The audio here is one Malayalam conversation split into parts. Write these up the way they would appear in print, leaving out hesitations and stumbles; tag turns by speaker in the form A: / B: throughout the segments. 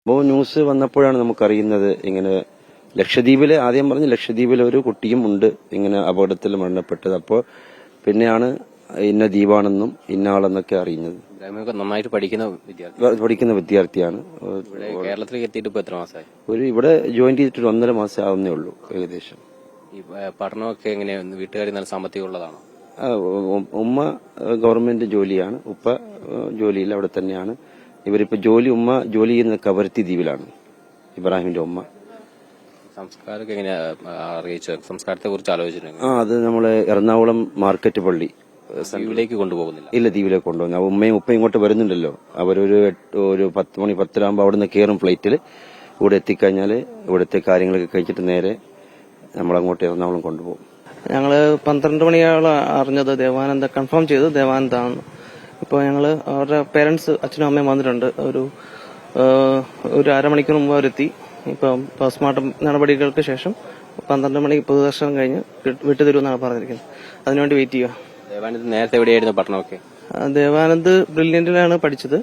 A: അപ്പോൾ ന്യൂസ് വന്നപ്പോഴാണ് നമുക്കറിയുന്നത് ഇങ്ങനെ ലക്ഷദ്വീപിലെ ആദ്യം പറഞ്ഞ് ലക്ഷദ്വീപിലെ ഒരു കുട്ടിയും ഉണ്ട് ഇങ്ങനെ അപകടത്തിൽ മരണപ്പെട്ടത്. അപ്പോൾ പിന്നെയാണ് ഇന്ന ദ്വീപാണെന്നും ഇന്ന ആളെന്നൊക്കെ അറിയുന്നത്.
B: നന്നായിട്ട് പഠിക്കുന്ന
A: വിദ്യാർത്ഥിയാണ്.
B: കേരളത്തിലേക്ക് എത്തിയിട്ട് ഇപ്പൊ എത്ര മാസമായി?
A: ഇവിടെ ജോയിൻ ചെയ്തിട്ട് 1.5 മാസം ആവുന്നേ ഉള്ളൂ ഏകദേശം.
B: ഈ പഠനമൊക്കെ എങ്ങനെയാണ്? വീട്ടുകാർ നല്ല സാമ്പത്തികം ഉള്ളതാണോ?
A: ഉമ്മ ഗവൺമെന്റ് ജോലിയാണ്, ഉപ്പ ജോലിയിൽ അവിടെ തന്നെയാണ്. ഇവരിപ്പോ ഉമ്മ ജോലി ചെയ്യുന്ന കവരത്തി ദ്വീപിലാണ്, ഇബ്രാഹിമിന്റെ ഉമ്മ.
B: സംസ്കാരമൊക്കെ എങ്ങനെയാ അറിയിച്ചത്? സംസ്കാരത്തെ കുറിച്ച് ആലോചിച്ചിട്ടുണ്ട്?
A: അത് നമ്മള് എറണാകുളം മാർക്കറ്റ് പള്ളി
B: ദ്വീപിലേക്ക് കൊണ്ടുപോകുന്നില്ല.
A: ഇല്ല, ദ്വീപിലേക്ക് കൊണ്ടുപോകുന്നു. ഉമ്മയും ഉപ്പയും ഇങ്ങോട്ട് വരുന്നുണ്ടല്ലോ. അവരൊരു 10 മണി 10 ആകുമ്പോൾ അവിടെ നിന്ന് കയറും ഫ്ലൈറ്റിൽ. ഇവിടെ എത്തിക്കഴിഞ്ഞാൽ ഇവിടുത്തെ കാര്യങ്ങളൊക്കെ കഴിച്ചിട്ട് നേരെ നമ്മളങ്ങോട്ട് എറണാകുളം കൊണ്ടുപോകും.
C: ഞങ്ങള് 12 മണിയോളം അറിഞ്ഞത് ദേവാനന്ദ കൺഫേം ചെയ്തു ദേവാനന്ദാണ്. ഇപ്പോൾ ഞങ്ങള് അവരുടെ പേരൻസ് അച്ഛനും അമ്മയും വന്നിട്ടുണ്ട്. ഒരു അരമണിക്കൂർ മുമ്പ് അവരെത്തി. ഇപ്പം പോസ്റ്റ്മോർട്ടം നടപടികൾക്ക് ശേഷം 12 മണിക്ക് പൊതുദർശനം കഴിഞ്ഞ് വിട്ടുതരുമെന്നാണ് പറഞ്ഞിരിക്കുന്നത്. അതിനുവേണ്ടി വെയിറ്റ് ചെയ്യുക.
B: ദേവാനന്ദ് നേരത്തെ എവിടെയായിരുന്നു പഠനമൊക്കെ?
C: ദേവാനന്ദ് ബ്രില്യന്റിലാണ് പഠിച്ചത്.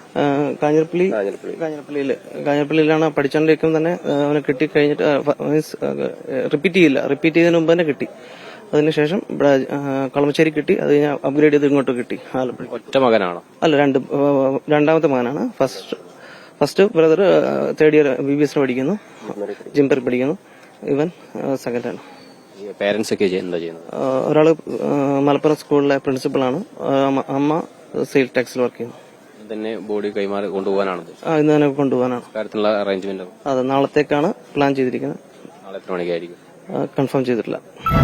C: കാഞ്ഞിരപ്പള്ളിയിലാണ് പഠിച്ചുകൊണ്ടിരിക്കുമ്പോൾ തന്നെ അവന് കിട്ടി. കഴിഞ്ഞിട്ട് റിപ്പീറ്റ് ചെയ്തതിന് മുമ്പ് തന്നെ കിട്ടി. അതിനുശേഷം ഇവിടെ കളമശ്ശേരി കിട്ടി. അത് കഴിഞ്ഞാൽ അപ്ഗ്രേഡ് ചെയ്ത് ഇങ്ങോട്ട് കിട്ടി. ആലപ്പുഴ.
B: ഒറ്റ മകനാണോ?
C: അല്ല, രണ്ടാമത്തെ മകനാണ്. First brother 3rd year BBS പഠിക്കുന്നു, ജിംപർ പഠിക്കുന്നു. ഇവൻ സെക്കൻഡാണ്.
B: പേരൻസ് ഒക്കെ എന്താ ചെയ്യുന്നത്?
C: ഒരാള് മലപ്പുറം സ്കൂളിലെ പ്രിൻസിപ്പളാണ്. അമ്മ സെയിൽ ടാക്സിൽ വർക്ക് ചെയ്യുന്നു.
B: തന്നെ ബോഡി കൈമാറി കൊണ്ടുപോകാനാണ്?
C: ഇന്ന് തന്നെ കൊണ്ടുപോകാനാണ്.
B: കാര്യത്തിലുള്ള അറേഞ്ച്മെന്റ്?
C: അതെ, നാളത്തേക്കാണ് പ്ലാൻ ചെയ്തിരിക്കുന്നത്.
B: നാളെ എത്ര മണിക്കായിരിക്കും?
C: കൺഫേം ചെയ്തിട്ടില്ല.